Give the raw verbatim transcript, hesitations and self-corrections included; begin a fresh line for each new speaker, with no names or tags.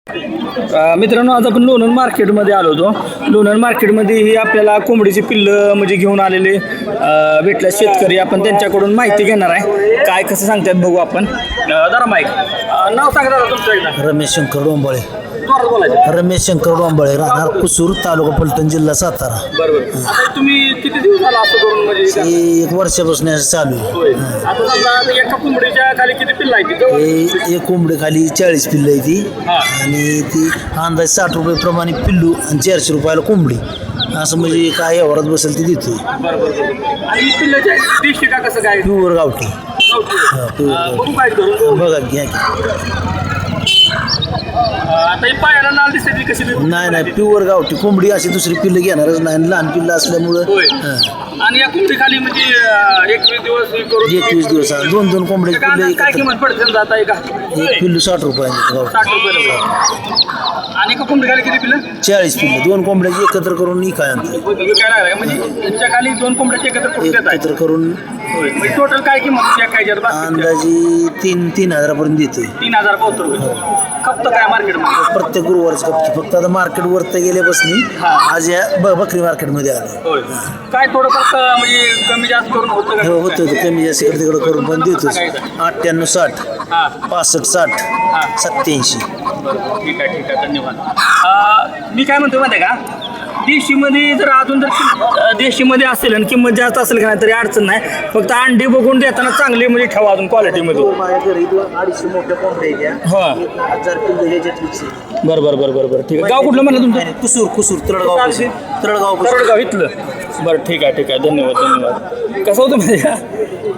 अ, मित्रांनो आज आपण लोणंद मार्केटमध्ये आलो होतो. लोणंद मार्केटमध्ये ही आपल्याला कोंबडीची पिल्लं म्हणजे घेऊन आलेले अ, भेटल्या शेतकरी. आपण त्यांच्याकडून माहिती घेणार आहे, काय कसं सांगतात बघू आपण. अ, जरा माईक अ, नाव सांगा दादा तुमचं एकदा.
रमेश शंकर डोंबाळे.
जोरात बोलायचं.
रमेश शंकर डोंबाळे, राहणार कुसूर, तालुका फलटण, जिल्हा सातारा.
बरोबर. आता तुम्ही किती दिवस झाला असं करून म्हणजे हे करता?
हे एक वर्षापासून असं चालू आहे.
होय. आता समजा आता एका कोंबडीच्या खाली किती पिल्लं आहेत तिथं?
हे एक कोंबडी खाली चाळीस पिल्लं आहे ती,
हा.
आणि ती अंदाज साठ रुपये प्रमाणे पिल्लू आणि चारशे रुपयाला कोंबडी, असं म्हणजे काय व्यवहारात बसेल ती देतोय.
बरोबर बरोबर. आणि ही पिल्लाच्या दिसते का कसं काय?
प्युअर गावठी.
अ,
प्युअर
बघू काय करून.
बघा घ्या की.
अ, आता ही पायाला नाल दिसते ती कशी दिसते?
नाही नाही प्युअर गावठी कोंबडी, अशी दुसरी पिल्लं घेणारच नाही. आणि लहान पिल्लं असल्यामुळं
होय.
हा.
आणि या कोंबडी खाली म्हणजे अ, एकवीस दिवस हे करून
एकवीस दिवस दोन दोन कोंबड्याची
काय
पिल्लं
काय
एकत्र.
किंमत पडते समजा आता एका
एक पिल्लू साठ रुपयाने गावठी.
साठ रुपये रुपये. आणि एका कोंबडी खाली किती पिल्लं?
चाळीस पिल्लं दोन कोंबड्याची एकत्र करून इकाय आणतो.
काय लागलं म्हणजे यांच्या खाली दोन कोंबड्याचे एकत्र करून देत आहे.
एकत्र करून
होय. म्हणजे टोटल काय किंमत काय काय
अंदाजी तीन तीन हजारापर्यंत देतोय.
तीन हजार बहात्तर रुपये खपत काय मार्केटमध्ये?
प्रत्येक गुरुवारच कपची. फक्त आता मार्केट वरती गेल्यापासून
हा.
आज या ब- बकरी मार्केटमध्ये आलो.
होय. काय थोडं फक्त म्हणजे कमी जास्त करून होतं का?
हो होतं होतं कमी जास्त इकडे तिकडे करून पण देतोच. अठ्ठ्याण्णव साठ
हा.
पासष्ट साठ
हा.
सत्याऐंशी.
बरोबर. ठीक आहे ठीक आहे धन्यवाद. अ, मी काय म्हणतो माहिती आहे का, देशीमध्ये जर अजून जर अ, देशीमध्ये असेल आणि किंमत जास्त असेल का नाही तरी अडचण नाही. फक्त अंडी बघून देताना चांगली म्हणजे ठेवा अजून क्वालिटीमध्ये.
माझ्या घरी दोन अडीचशे मोठ्या कोंबड्या आहेत.
हा.
एक हजार पिल्लं ह्याच्यातलीच आहे.
बरं बरं बरं बरं बरं ठीक आहे. गाव कुठलं म्हणलं तुमचं?
कुसूर कुसूर तळगाव तळगाव
तरडगाव इथलं. बरं ठीक आहे ठीक आहे धन्यवाद धन्यवाद. कसं होतं माहिती आहे का,